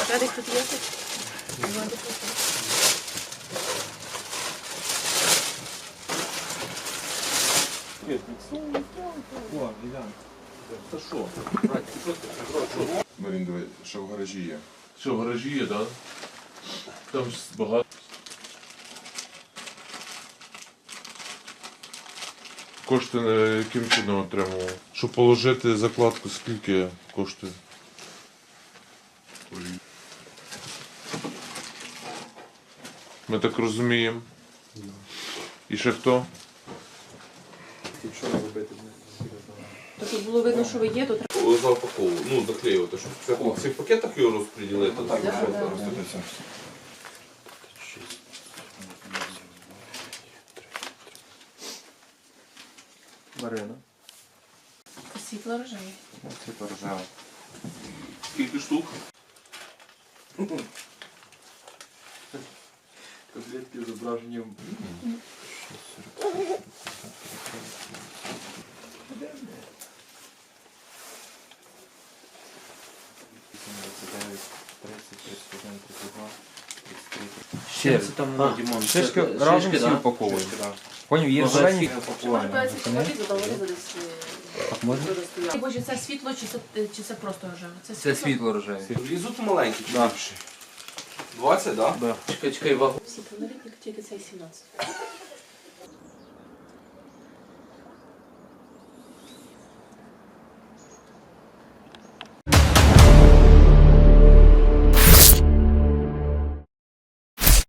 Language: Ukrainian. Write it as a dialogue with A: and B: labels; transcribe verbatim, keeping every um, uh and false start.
A: Радик тут є?
B: Та що?
C: Марін, давай, що в гаражі є.
B: Що, в гаражі є, так? Там ж багато. Кошти е, яким чином отримував? Щоб положити закладку, скільки коштує? Ми так розуміємо. І ще хто?
D: Що робити?
A: То тут було видно, що ви є, то треба.
E: Запаковую, ну заклеювати, щоб це в цих пакетах його розподілити. Так,
A: Да,
E: що
A: да.
E: там.
D: Марина.
A: Світло рожеве.
D: Це поржава.
E: Скільки штук?
D: Котлетки з зображенням.
F: Ще це там, ну, Дімон,
D: Шишки
F: це-
D: разом
F: шишки,
D: всі
F: да?
D: упаковуємо. Поняв, є
F: Ну,
D: зелені.
A: Повертається чоловік, то вони десь
D: Так можна?
A: стояли. Боже, це світло чи це, чи це просто рожеве?
F: Це світло рожеве.
E: Влізуть маленькі чи
D: Да.
E: більше? двадцять, так?
D: Да.
F: Чекай, чекай, вагу.
A: Світло, навіть тільки цей сімнадцять.